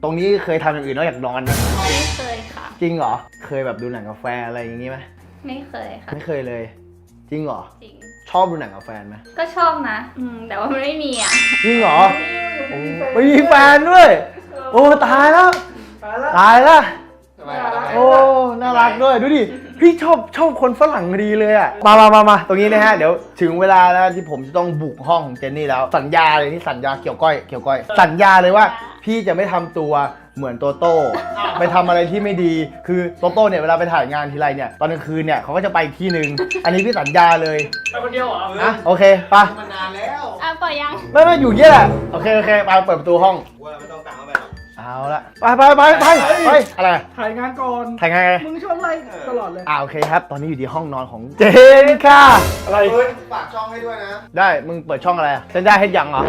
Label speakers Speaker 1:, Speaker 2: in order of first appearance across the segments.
Speaker 1: ตรงนี้เคยทำอย่างอื่นนอกจากนอนไหม
Speaker 2: ไม่เคยค่ะ
Speaker 1: จริงเหรอเคยแบบดูหนังกับแฟนอะไรอย่างงี้ไหม
Speaker 2: ไม่เคยค่ะ
Speaker 1: ไม่เคยเลย จริงเหรอ
Speaker 2: จริง
Speaker 1: ชอบดูหนังกับแฟนไหม
Speaker 2: ก็ชอบนะแต่ว่ามันไม่มีอ่ะ
Speaker 1: จริงเหรอโอ้ไม่มีแฟนด้วยโอ้ตายแล้วตายแล้ว
Speaker 3: ทำไม
Speaker 1: โอ้น่ารักด้วยดูดิพี่ชอบคนฝรั่งดีเลยอ่ะมาตรงนี้นะฮะเดี๋ยวถึงเวลาแล้วที่ผมจะต้องบุกห้องของเจนนี่แล้วสัญญาเลยที่สัญญาเกี่ยวก้อยสัญญาเลยว่า พี่จะไม่ทำตัวเหมือนโตโต้ไปทำอะไรที่ไม่ดีคือโตโต้เนี่ยเวลาไปถ่ายงานทีไรเนี่ยตอนกลางคืนเนี่ยเขาก็จะไปอีกที่หนึ่งอันนี้พี่สัญญาเลย
Speaker 4: ไปคนเดียวเหรอ
Speaker 1: นะโอเคไป
Speaker 3: มานานแล้ว
Speaker 2: ปล่อยยัง
Speaker 1: ไม่อยู่เงี้ยแหละโอเคไปเปิดประตูห้อง
Speaker 3: ว่าไม่ต้องตามเข้าไปหรอก
Speaker 1: เอาละไปอะไร
Speaker 4: ถ่ายงานก่อน
Speaker 1: ถ่ายงานไง
Speaker 4: มึงชอบไล่ตลอดเลย
Speaker 1: โอเคครับ ตอนนี้อยู่ที่ห้องนอนของเจนค่ะ
Speaker 4: อะไร
Speaker 3: เฮ้ยฝากช่องให้ด้วยนะ
Speaker 1: ได้มึงเปิดช่องอะไรเซนได้เฮ็ดยังเหรอ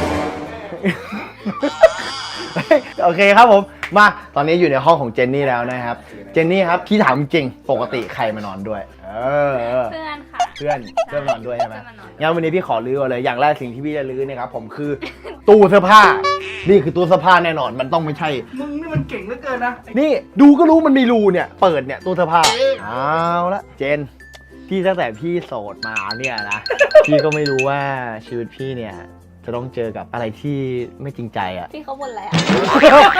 Speaker 1: โอเคครับผมมาตอนนี้อยู่ในห้องของเจนนี่แล้วนะครับเจนนี่ครับพี่ถามจริงปกติใครมานอนด้วย
Speaker 2: เพื่อนค่ะ
Speaker 1: เพื่อนมานอนด้วยใช่ไหม
Speaker 2: เพื่อนมานอน
Speaker 1: งั้นวันนี้พี่ขอรื้อก่อนเลยอย่างแรกสิ่งที่พี่จะรื้อเนะครับผมคือตู้เสื้อผ้านี่คือตู้เสื้อผ้าแน่นอนมันต้องไม่ใช่
Speaker 4: มึงนี่มันเก่งเหลือเกินนะ
Speaker 1: นี่ดูก็รู้มันมีรูเนี่ยเปิดเนี่ยตู้เสื้อผ้าเอาละเจนพี่ตั้งแต่พี่โสดมาเนี่ยนะ พี่ก็ไม่รู้ว่าชีวิตพี่เนี่ยจะต้องเจอกับอะไรที่ไม่จริงใจอ่ะ
Speaker 2: พี่เขาบ่นอะไรอ่ะ